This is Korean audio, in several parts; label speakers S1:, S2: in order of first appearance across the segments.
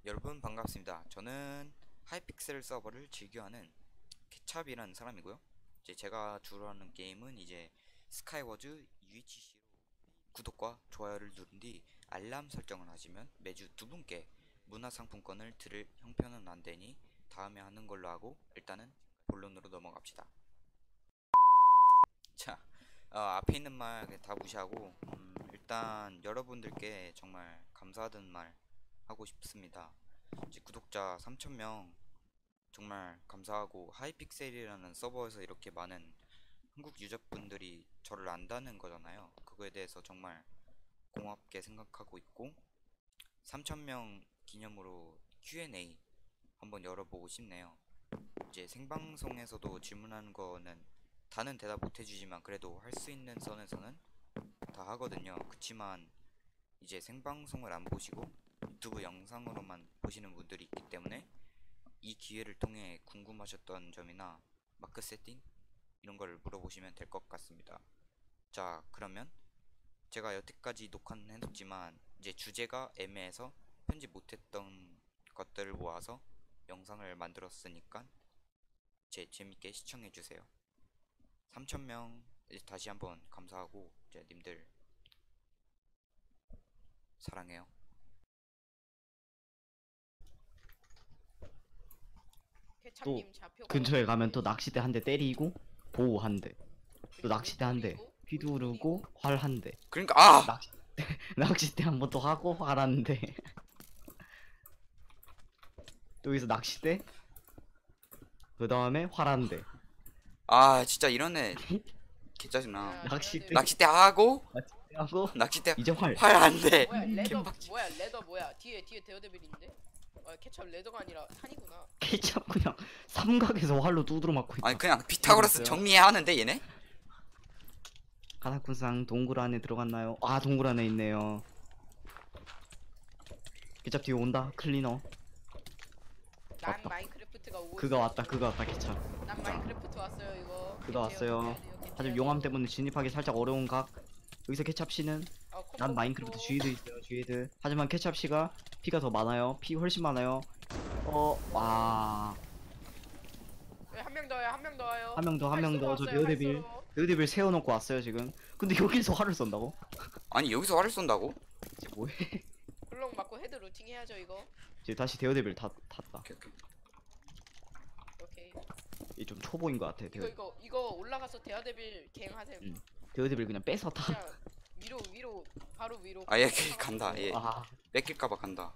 S1: 여러분 반갑습니다. 저는 하이픽셀 서버를 즐겨하는 케찹이라는 사람이고요. 이제 제가 주로 하는 게임은 이제 스카이워즈 UHC로 구독과 좋아요를 누른 뒤 알람 설정을 하시면 매주 두 분께 문화상품권을 드릴 형편은 안 되니 다음에 하는 걸로 하고 일단은 본론으로 넘어갑시다. 자, 앞에 있는 말 다 무시하고 일단 여러분들께 정말 감사하다는 말 하고 싶습니다. 이제 구독자 3,000명 정말 감사하고 하이픽셀이라는 서버에서 이렇게 많은 한국 유저분들이 저를 안다는 거잖아요. 그거에 대해서 정말 고맙게 생각하고 있고 3,000명 기념으로 Q&A 한번 열어보고 싶네요. 이제 생방송에서도 질문하는 거는 다는 대답 못 해주지만 그래도 할 수 있는 선에서는 다 하거든요. 그치만 이제 생방송을 안 보시고 유튜브 영상으로만 보시는 분들이 있기 때문에 이 기회를 통해 궁금하셨던 점이나 마크 세팅 이런 걸 물어보시면 될 것 같습니다. 자, 그러면 제가 여태까지 녹화는 해뒀지만 이제 주제가 애매해서 편집 못했던 것들을 모아서 영상을 만들었으니까 재밌게 시청해주세요. 3,000명 다시 한번 감사하고 이제 님들 사랑해요.
S2: 또 근처에 가면 또 낚싯대 한 대 때리고 보호 한 대, 또 낚싯대 한 대, 휘두르고 활 한 대.
S1: 그러니까
S2: 낚싯대 한 번 또 하고 활 한 대. 또 여기서 낚싯대, 그 다음에 활 한 대.
S1: 진짜 이러네. 개짜증나.
S2: 낚싯대
S1: 하고
S2: 하고
S1: 낚싯대
S2: 이제 활.
S1: 안 돼.
S3: 뭐야 레더 뭐야 레더 뭐야 뒤에 데어데빌인데? 케찹 레더가 아니라 탄이구나.
S2: 케찹 그냥 삼각에서 활로 두드러 맞고 있다.
S1: 아니 그냥 피타고라스 정리해야 하는데 얘네?
S2: 가나쿠상 동굴 안에 들어갔나요? 아, 동굴 안에 있네요. 케찹 뒤에 온다. 클리너.
S3: 난
S2: 왔다.
S3: 마인크래프트가 오고
S2: 그가 왔다. 그가 왔다. 케찹.
S3: 난 마인크래프트 왔어요 이거.
S2: 그가 왔어요. 하지만 용암 때문에 진입하기 살짝 어려운 각. 여기서 케찹 씨는 난 마인크래프트 주의드 있어요. 주의드. 하지만 케찹 씨가 피가 더 많아요. 피 훨씬 많아요. 와.
S3: 한 명 더요 한 명 더요.
S2: 한 명 더, 한 명 더. 저 데어데빌. 데어데빌 세워놓고 왔어요 지금. 근데 여기서 활을 쏜다고?
S1: 아니 여기서 활을 쏜다고?
S2: 이제 뭐해?
S3: 블록 맞고 헤드 루팅 해야죠 이거.
S2: 이제 다시 데어데빌 탔다.
S3: 오케이.
S2: 이 좀 초보인 것 같아.
S3: 이거 올라가서 데어데빌 갱 하세요.
S2: 데어데빌 그냥 뺏어 타.
S3: 그냥 위로 바로 위로.
S1: 얘 간다. 얘
S2: 아,
S1: 뺏길까봐 간다.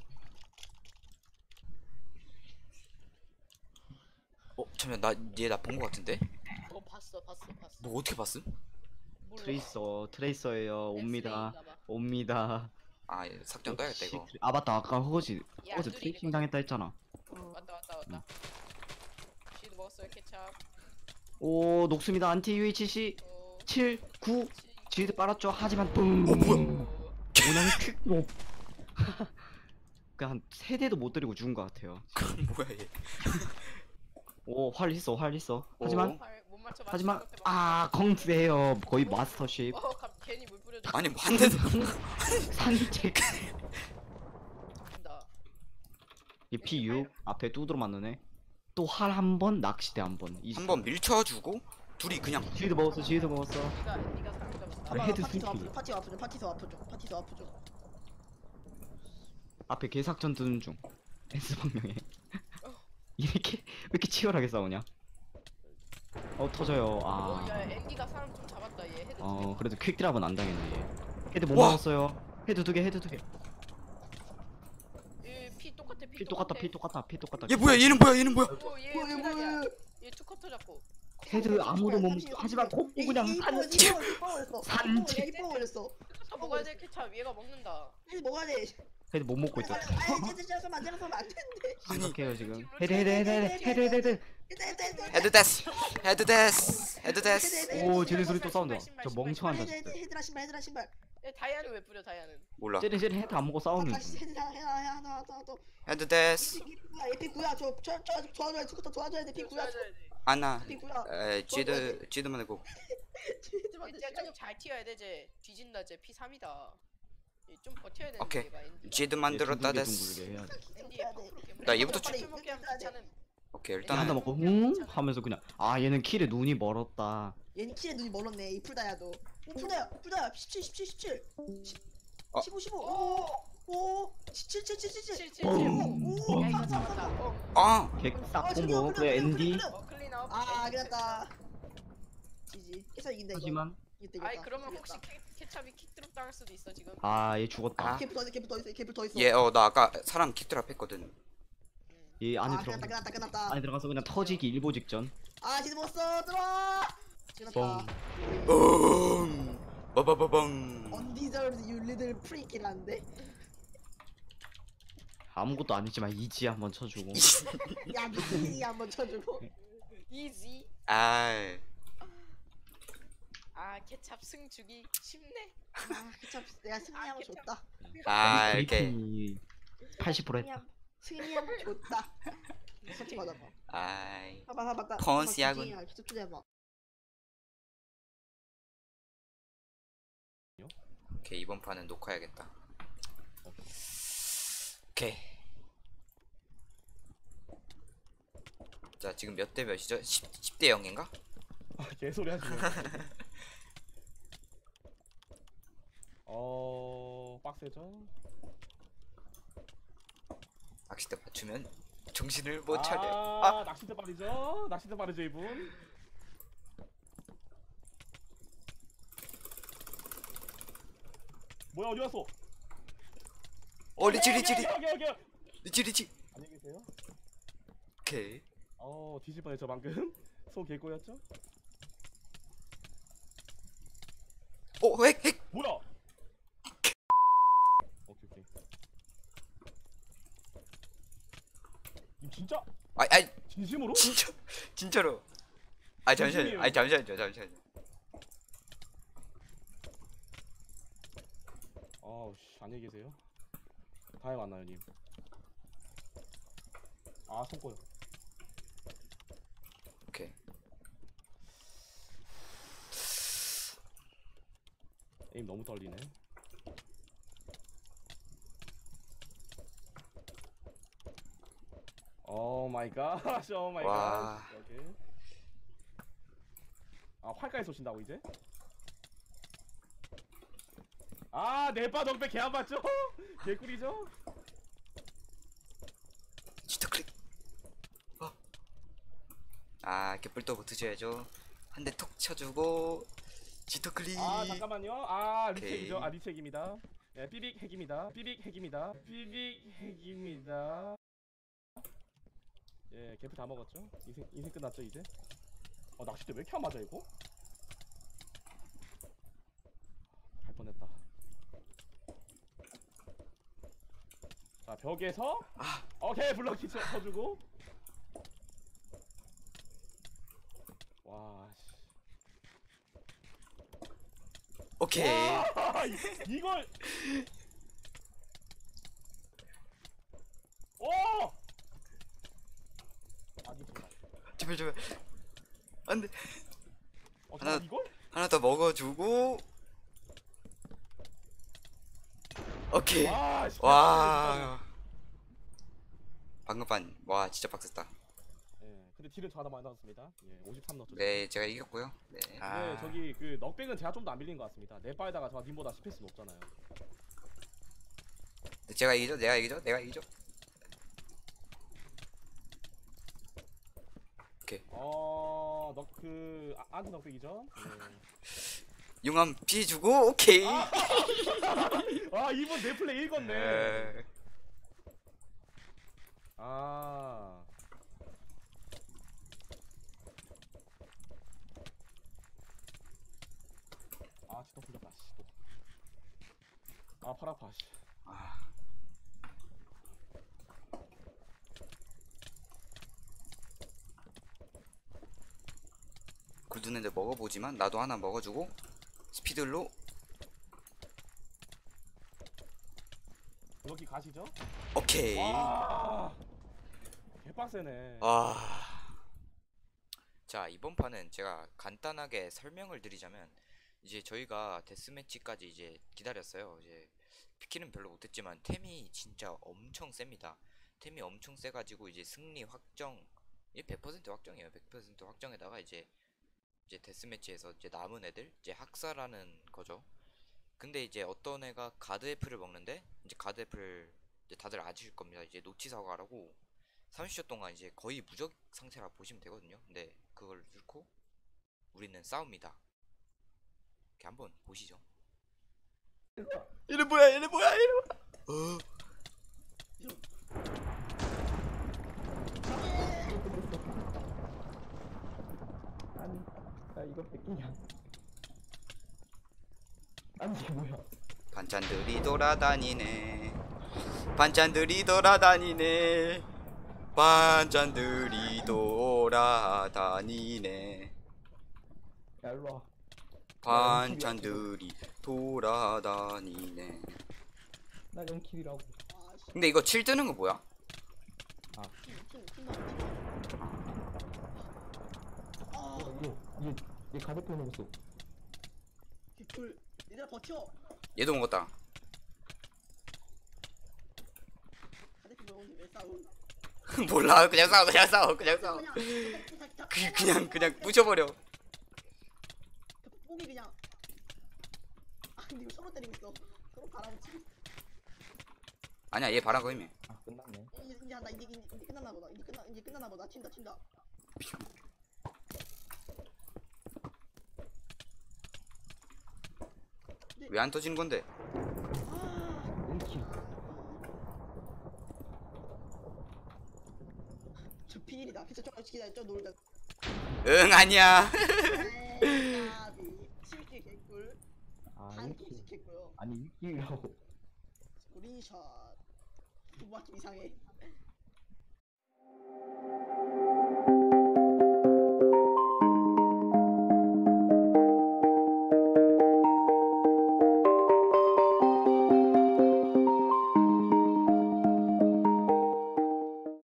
S1: 잠시만 얘 나 본 거 같은데?
S3: 봤어.
S1: 너 어떻게 봤음?
S3: 몰라.
S2: 트레이서예요. 옵니다.
S1: 얘 삭제한 떠야겠다 이거.
S2: 아, 맞다. 아까 허거지
S3: 야,
S2: 트레이싱 당했다 했잖아.
S3: 왔다. 시드 먹었어요 케찹.
S2: 오, 녹습니다. 안티 UHC 7, 9 지드 빨았죠. 하지만 뿡.
S1: 뭐야?
S2: 오늘 퀵로. 그냥 한 3대도 못 때리고 죽은 것 같아요.
S1: 뭐야 얘?
S2: 오, 활 있어. 하지만
S3: 못 맞춰.
S2: 공수해요. 거의 마스터십.
S3: 괜히 물 뿌려줘.
S1: 아니 뭐 한 대도
S2: 산책.
S3: 간다.
S2: 이 P6 앞에 두드러 맞는 애. 또 활 한 번, 낚싯대 한 번.
S1: 한번 밀쳐주고 둘이 그냥
S2: 지드 먹었어.
S3: 네가 사람 잡았어.
S2: 헤드
S4: 파티도
S2: 스피드.
S4: 파티도 아프죠.
S2: 앞에 개삭전 두는 중. S방명에. 이렇게 왜 이렇게 치열하게 싸우냐? 터져요.
S3: 야 앤디가 사람 좀 잡았다 얘 헤드.
S2: 그래도 퀵드랍은 안 당했네. 얘. 헤드 못
S1: 와!
S2: 먹었어요. 헤드 두 개.
S3: 피 똑같아.
S2: 피 똑같다.
S1: 얘 뭐야? 얘는 뭐야?
S3: 얘 뭐야? 얘 투커터 잡고.
S2: 헤드 아무도 못 먹고 하지만 코 그냥 산책. 산책.
S4: 이뻐 버렸어.
S3: 먹어야 돼 케찹. 얘가 먹는다.
S4: 헤드 먹어야 돼.
S2: 헤드 못 먹고 있다.
S4: 헤드 시작하면 안 되는데.
S2: 생각해요 지금. 헤드.
S1: 헤드 데스.
S2: 오, 쟤네 소리 또 싸운다. 저 멍청한 자식.
S4: 헤드라 신발.
S3: 다이아는 왜 뿌려 다이아는?
S1: 몰라.
S2: 쟤네 헤드 안 먹고 싸우는
S4: 다시
S2: 중.
S4: 헤드 하나 더.
S1: 헤드 데스.
S4: 에피 구야. 저 도와줘야 돼. 스쿠터 도와줘야 돼. 피 구야.
S1: 아나.
S4: 피 구야.
S1: 지드만 해고.
S3: 좀 잘 튀어야 돼 쟤. 뒤진다 쟤 피 3이다. 좀 버텨야 되는데
S1: 오케이.
S3: 얘가 엔디가.
S1: 지드 만들었다 데스.
S2: 둥글게 해야 돼.
S1: 나 얘부터
S4: 빨리
S3: 킬 먹게 하면
S4: 해야 돼.
S3: 괜찮음.
S1: 오케이
S2: 하나
S1: 일단은
S2: 먹고 응 하면서 그냥 아 얘는 킬에 눈이 멀었다.
S4: 얘는 키에 눈이 멀었네. 이 풀다야도. 오 풀다야 17 17 17
S1: 어.
S4: 15 15 오 17 17 17 17
S3: 777.
S4: 오.
S3: 야 이거 잡았다.
S1: 아
S2: 객딱 공보 그래 엔디.
S3: 클린업.
S4: 아 끝났다. 지지. 해서 이긴다 이거.
S2: 하지만
S4: 이겼다,
S3: 아이
S4: 이겼다.
S3: 그러면
S4: 이겼다.
S3: 혹시 케찹이 킥드롭 당할 수도 있어 지금.
S2: 아 얘 죽었다.
S1: 아.
S4: 개풀 더 있어 개풀 더 있어 개풀 더 있어.
S1: 얘 나 아까 사람 킥드랍 했거든.
S2: 얘 안에 들어가.
S4: 끝났다.
S2: 안에 들어가서 그냥 터지기 일보 직전.
S4: 아 지지 못써 들어와.
S2: 뻥.
S4: 끝났다.
S1: 빠바바방.
S4: Undeserved you little freak이라는데.
S2: 아무것도 아니지만 이지 한번 쳐주고.
S4: 야 미친이 한번 쳐주고.
S3: 이지.
S1: 아
S3: 아 케찹 승 주기 쉽네.
S4: 아 그참 내가 승리하면
S3: 케찹.
S4: 좋다.
S1: 이렇게.
S2: 브리핑이 80% 했다.
S4: 승리하면 좋다. 솔직히 맞아봐.
S1: 아이
S4: 봐봐.
S1: 컨시하군.
S4: 계속 투자해봐.
S1: 오케이 이번 판은 녹화해야겠다. 오케이. 자 지금 몇 대 몇이죠? 10대 0인가?
S5: 아, 개소리 하지 마. 빡세죠?
S1: 낚싯대 맞추면 정신을 못 차려.
S5: 아, 낚싯대 빠르죠? 낚싯대 빠르죠, 이분? 뭐야, 어디 갔어?
S1: 리치
S5: 여기.
S1: 리치.
S5: 안녕히 계세요.
S1: 오케이.
S5: 뒤질 뻔했죠, 방금? 손 개꼬였죠?
S1: 핵.
S5: 뭐야? 오케이. 이 진짜?
S1: 아이
S5: 진심으로?
S1: 진짜로. 잠시만요. 잠시만요.
S5: 안녕히 계세요. 다음에 만나요, 님. 손 꼬여.
S1: 오케이.
S5: 에임 너무 떨리네. 오 마이 갓. 오 마이
S1: 와.
S5: 갓. 오케이. 활까지 쏘신다고 이제? 네파 덕배 개 안 맞죠? 개꿀이죠?
S1: 지터 클릭. 이렇게 뿔도부터 줘야죠. 한 대 톡 쳐주고 지터 클릭.
S5: 잠깐만요.
S1: 오케이.
S5: 리책이죠? 리책입니다. 예, 삐빅 핵입니다. 예, 개프 다 먹었죠? 인생 끝났죠 이제? 낚싯대 왜 이렇게 안 맞아 이거? 갈 뻔했다. 자, 벽에서 오케이 블럭키 쳐주고. 와 씨.
S1: 오케이.
S5: 와, 이걸 오!
S1: 제발. 안돼. 하나-
S5: 이걸?
S1: 하나 더 먹어주고. 오케이.
S5: 와, 씨,
S1: 와. 방금 와 진짜 빡셌다.
S5: 예, 근데 딜은 저 하나 많이 나왔습니다. 예, 53 넣었죠.
S1: 네 제가 이겼고요. 네.
S5: 네, 저기 그 넉백은 제가 좀 더 안 밀린 것 같습니다. 내 바에다가 저 님보다 CPS 높잖아요.
S1: 제가 이기죠. 내가 이기죠.
S5: 넉그 안티 넉백이죠. 네.
S1: 용암 피해주고 오케이.
S5: 이분 내 플레이 읽었네.
S1: 네.
S5: 진짜 풀렸다. 씨. 팔 아파. 씨.
S1: 굴두는데 먹어보지만 나도 하나 먹어주고 스피드로.
S5: 여기 가시죠.
S1: 오케이.
S5: 개빡세네.
S1: 자 이번 판은 제가 간단하게 설명을 드리자면 이제 저희가 데스매치까지 이제 기다렸어요. 이제 피키는 별로 못했지만 템이 진짜 엄청 셉니다. 템이 엄청 세가지고 이제 승리 확정, 이게 100% 확정이에요. 100% 확정에다가 이제 데스매치에서 이제 남은 애들 이제 학살하는 거죠. 근데 이제 어떤 애가 가드 애플을 먹는데 이제 가드 애플 이제 다들 아실 겁니다. 이제 노치 사과라고 30초 동안 이제 거의 무적 상태라 보시면 되거든요. 근데 그걸 뚫고 우리는 싸웁니다. 이렇게 한번 보시죠.
S2: 얘네 뭐야 얘네 뭐야 얘네 뭐야.
S5: 아니 나 이거 뺏기냐. 아니 이게 뭐야.
S1: 반찬들이 돌아다니네. 반찬들이 돌아다니네. 반찬들이 돌아다니네.
S5: 야 일로와.
S1: 반찬들이 돌아다니네.
S5: 나 0킬이라고.
S4: 아씨
S1: 근데 이거 7 뜨는 거 뭐야?
S4: 아
S5: 얘 가득 넣었어.
S4: 개꿀 얘들아 버텨
S1: 얘도 먹었다.
S4: 가데피 먹었는데 왜 싸움
S1: 몰라. 그냥 싸워. 그냥 싸워. 그냥 싸워. 그냥 부셔버려.
S4: 뽕이 그냥 아 근데 이거 서로 때리고 있어 서로 바라붙이고 있어.
S1: 아니야 얘 바람 거임해.
S5: 아 끝났네.
S4: 이제 한다 이제 끝났나 보다 이제 끝났나 보다 튄다
S1: 왜 안 터지는 건데?
S4: 아
S5: 1킬.
S4: 저 피일이다 진짜 저 놀자
S1: 응 아니야.
S4: 에이 까비 7킬 개꿀
S5: 아
S4: 한
S5: 1킬.
S4: 킬씩 했고요
S5: 아니 1킬이라고.
S4: 스크린샷 두 바퀴 이상해